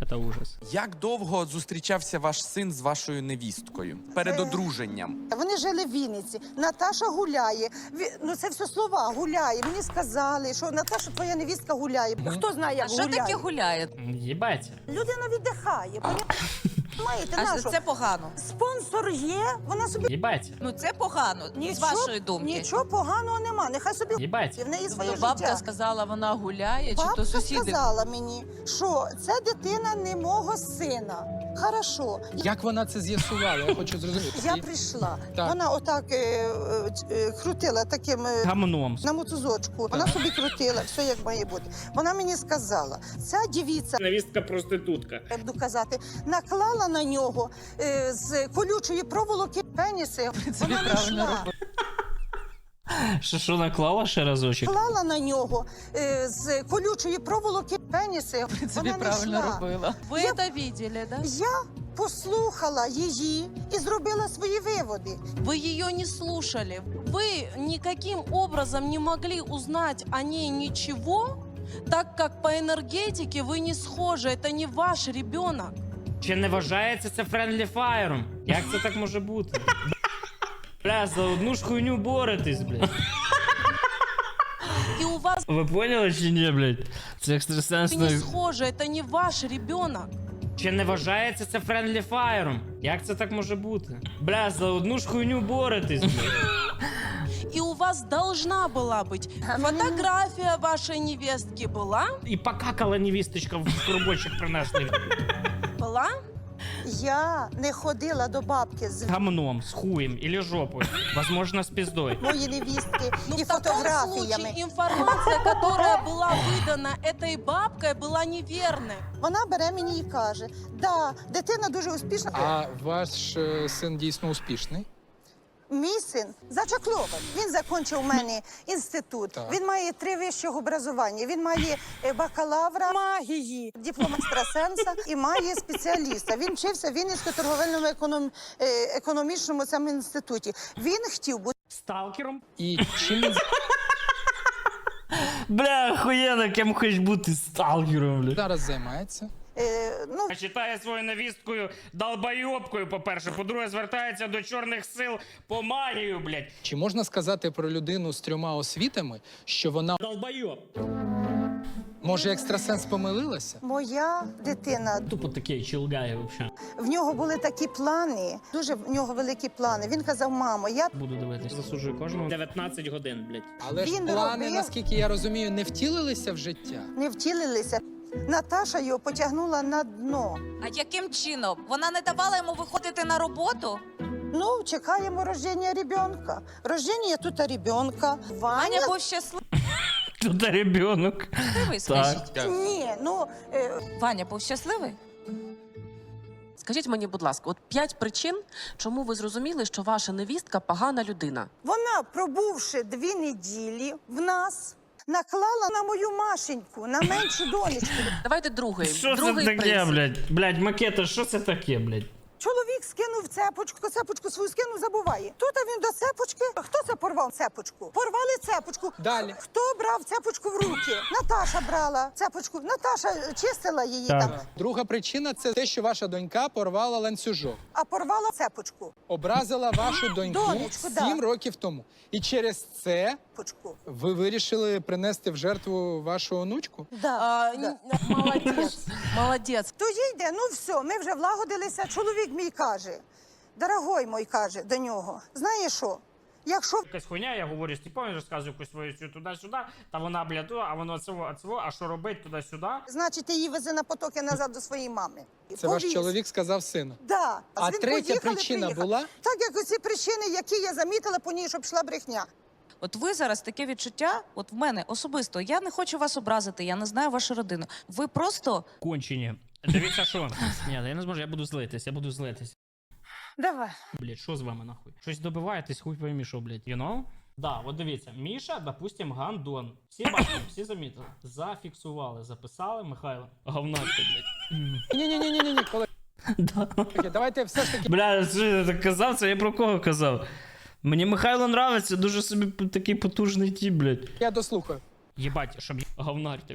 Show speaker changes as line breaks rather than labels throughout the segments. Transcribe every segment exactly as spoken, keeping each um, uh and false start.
Це ужас.
Як довго зустрічався ваш син з вашою невісткою перед одруженням?
Вони жили в Вінниці. Наташа гуляє. Ві- Ну це все слова, гуляє. Мені сказали, що Наташа, твоя невістка гуляє. Хто знає, як
А що
гуляє?
таке гуляє?
Єбать.
Людина віддихає. Маєте,
А
нашу?
це погано.
Спонсор є, вона собі...
Єбать.
Ну це погано, з вашої думки.
Нічого поганого нема, нехай собі...
Єбать.
В неї своє
Тобто бабка
життя.
сказала, вона гуляє, чи
Бабка
то сусіди?
сказала мені, що це дитина не мого сина. Хорошо.
Як вона це з'ясувала? Я хочу зрозуміти.
Я
І-
прийшла.
Так.
Вона отак е, е, е, крутила таким е,
Гамном.
на мотузочку. Вона собі крутила, все як має бути. Вона мені сказала, ця дівіця,
Невістка проститутка.
я буду казати, наклала на нього е, з колючої проволоки пеніси. Вона не йшла.
Що, що наклала ще разочок?
Наклала на нього е, з колючої проволоки пеніси. Вона не йшла.
робила. Ви
Я-
це бачили, да?
Я послухала її і зробила свої виводи.
Вы ее не слушали. Вы никаким образом не могли узнать о ней ничего, так как по энергетике вы не схожи. Это не ваш ребенок.
Чи не вважається це френдлі фаєром? Як це так може бути? Бля, за одну ж хуйню боретесь, блядь.
И у вас
Ви поняли чи ні, блядь? Це
не
екстрасенсно.
схожи. Это не ваш ребенок.
Чи не вважається це френдлі фаєром? Як це так може бути? Бля, за одну ж хуйню боретесь, блядь.
И у вас должна была быть фотография вашей невестки. Была?
І покакала невісточка в коробочок принесли.
Была?
Я не ходила до бабки з
Гамном, з хуєм или жопою. Возможно, з піздою.
моєї невістки
Ну,
і
в таком
фотографіями.
случае информация, которая была выдана этой бабкой, была неверной.
Вона бере мені і каже: да, дитина дуже успішна.
А ваш е, син дійсно успішний?
Мій син зачаклований. Він закінчив у мене інститут.
Так.
Він має три вищого образування. Він має е, бакалавра магії, диплом екстрасенса і має спеціаліста. Він вчився в Вінницькому торговельному економ... е, економічному цьому інституті. Він хотів бути
Сталкером?
І чим він
Бля, охуєнно, ким хочеш бути сталкером, бля.
зараз займається?
е, ну,
Читає свою невісткою долбойобкою, по-перше. По-друге, звертається до чорних сил по магію, блядь.
Чи можна сказати про людину з трьома освітами, що вона,
Долбойоб.
може, екстрасенс помилилася?
моя дитина.
Тупо такий чилгає, взагалі.
В нього були такі плани, дуже в нього великі плани. Він казав: мамо, я
Буду дивитися. Засуджую кожного. дев'ятнадцять годин, блядь.
Але ж
Він
плани,
робив-
наскільки я розумію, не втілилися в життя.
не втілилися. Наташа його потягнула на дно.
А яким чином? Вона не давала йому виходити на роботу?
Ну, чекаємо рождення ребенка. Рождення тут ребенка.
Ваня
Ваня?
був щасливий,
Тут ребенок.
скажіть.
Ні, ну, е,
Ваня був щасливий?
Скажіть мені, будь ласка, от п'ять причин, чому ви зрозуміли, що ваша невістка погана людина.
вона, пробувши дві неділі в нас, наклала на мою Машеньку, на меншу донечку.
Давайте другий.
Що це
другий
таке,
принцип.
блядь? Блядь, макета, що це таке, блядь?
Чоловік скинув цепочку, цепочку свою скинув, забуває. Тут він до цепочки. Хто це порвав цепочку? Порвали цепочку.
Далі.
Хто брав цепочку в руки? Наташа брала цепочку. Наташа чистила її
Так.
там,
Друга причина – це те, що ваша донька порвала ланцюжок.
а порвала цепочку.
Образила вашу доньку
Донечку, да.
сім років тому. І через це
Цепочку.
ви вирішили принести в жертву вашу онучку?
Да,
А,
да.
н- Молодец, молодец.
То йде, ну все, ми вже влагодилися. Чоловік мій каже, дорогой мой, каже до нього, знаєш що, якщо
Якась хуйня, я говорю, Степан розказує якусь свою цю туди-сюди, та вона, блядь, о, а воно цього, а цього, а що робить туди-сюди?
значить, ти її вези на потоки назад до своєї мами.
Це ваш
Повіз.
чоловік сказав сину.
Да.
А
Він
третя
поїхали,
причина
приїхали.
була?
Так, як оці причини, які я замітила по ній, щоб пішла брехня.
От ви зараз таке відчуття, от в мене особисто, я не хочу вас образити, я не знаю вашу родину. Ви просто
Кончені. Дивіться, що? Ні, я не зможу, я буду злитись, я буду злитись.
Давай.
Блядь, що з вами нахуй? Щось добиваєтесь, хуй поймі, що, блядь, you know? Да, от дивіться, Міша, допустим, гандон. Всі бачили, всі замітили. Зафіксували, записали, Михайло. Говнарка, блядь.
Ні-ні-ні-ні-ні, колеги,
Да.
давайте все ж таки
Бля, що я так казав, це я про кого казав? Мені Михайло нравиться, дуже собі такий потужний тіп, блядь.
я дослухаю.
Єбать, щоб я говнар ти, блядь.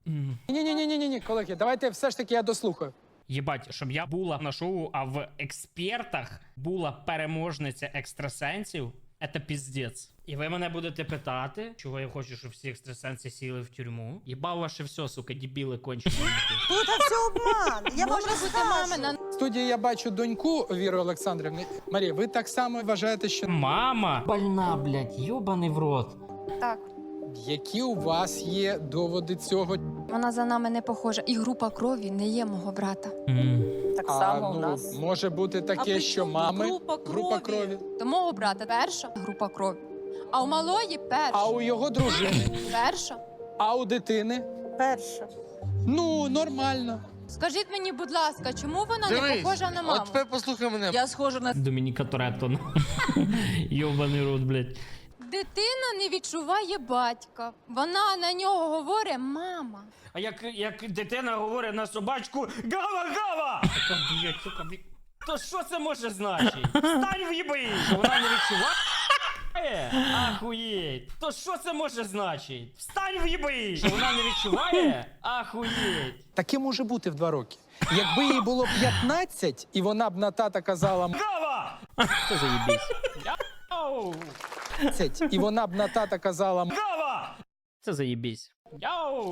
Ні, ні, ні, ні, ні, ні, колеги, давайте все ж таки я дослухаю.
Єбать, щоб я була на шоу, а в експертах була переможниця екстрасенсів, це піздець. І ви мене будете питати, чого я хочу, щоб всі екстрасенси сіли в тюрму. Єбав ваше все, сука, дебіли кончені.
Тут все обман. Я вам
Може бути мамина.
В студії я бачу доньку Віри Олександрівни. Марія, ви так само вважаєте, що
Мама больна, блядь, йобаний в рот.
Так,
які у вас є доводи цього?
вона за нами не похожа. І група крові не є мого брата.
Так
А,
само у
ну,
нас.
може бути
А
таке,
при
що
чому
мами
група
група
крові?
крові,
До мого брата перша група крові. А у малої перша.
а у його дружини,
Перша.
а у дитини.
Перша.
Ну, нормально.
Скажіть мені, будь ласка, чому вона не похожа на маму?
От тепер послухай мене.
Я схожа на
Домініка Торетто. Йобаний рот, блядь.
Дитина не відчуває батька. Вона на нього говорить мама.
А як, як дитина говорить на собачку гава-гава! Така, блядь, сука, блядь. То що це може значити? Стань в їби! Вона не відчуває? Ахуєть! То що це може значити? Встань в їби! Вона не відчуває? Ахуєть!
Таке може бути в два роки. Якби їй було п'ятнадцять, і вона б на тата казала
Гава! Це заєбісь. Яу!
«мадцять», і вона б на тата казала
Гава! Це заєбісь. Яу!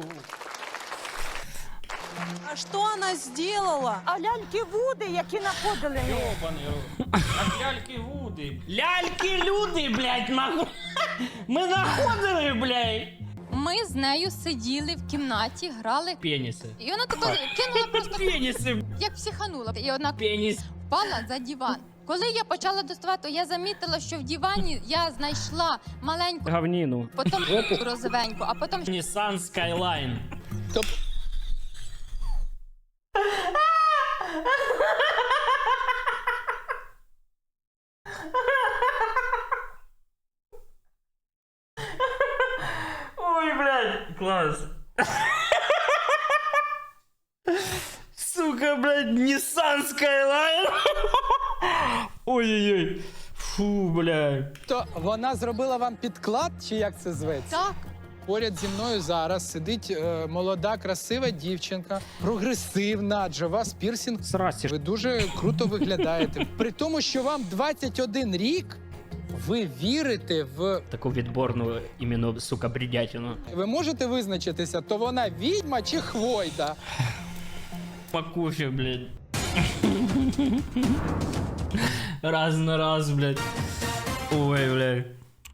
А что она сделала?
А ляльки Вуди, які находили.
Йобаний рот. А ляльки Вуди. Ляльки люди, блядь, нахуй. Ми находили, блядь.
Ми з нею сиділи в кімнаті, грали.
Пеніси.
І вона тако кинула просто,
Пеніси.
як психанула. І одна
Пеніс.
впала за диван. Коли я почала доставати, то я замітила, що в дивані я знайшла маленьку,
Говніну.
потім розовеньку, а потім
Nissan Skyline.
«Топ».
Ой, блядь, класс. Сука, блядь, Nissan Skyline. Ой-ой-ой. Фу, блядь.
То вона зробила вам підклад, чи як це зветься?
так.
Поряд зі мною зараз сидить е, молода, красива дівчинка, прогресивна, адже у вас пірсінг.
Здрасте.
Ви дуже круто виглядаєте. При тому, що вам двадцять один рік, ви вірите в...
Таку відборну іменно, сука, бредятину.
Ви можете визначитися, то вона відьма чи хвойда?
По кофе, блядь. Раз на раз, блядь. Ой, блядь.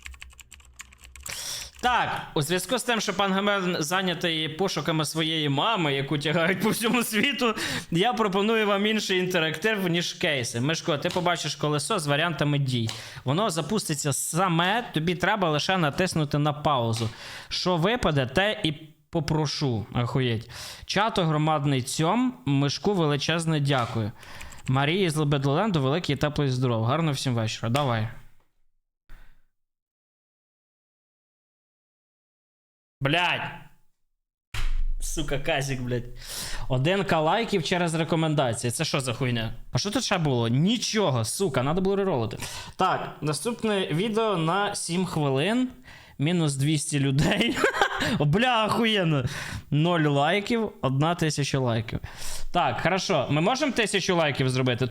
Так, у зв'язку з тим, що пан Гамер зайнятий пошуками своєї мами, яку тягають по всьому світу, я пропоную вам інший інтерактив, ніж кейси. Мишко, ти побачиш колесо з варіантами дій. Воно запуститься саме, тобі треба лише натиснути на паузу. Що випаде, те і попрошу. Ахуєть. Чато громадний цьом, Мишку величезне дякую. Марії з Лебедоленду великий, теплий здоров. Гарно всім вечора. Давай. Блядь. Сука, казик, блядь. один ка лайків через рекомендації. Це що за хуйня? А що тут ще було? Нічого, сука, треба було реролити. Так, наступне відео на сім хвилин. Мінус двісті людей. Бля, охуєнно. ноль лайків, одна тисяча лайків. Так, хорошо. Ми можемо тисячу лайків зробити?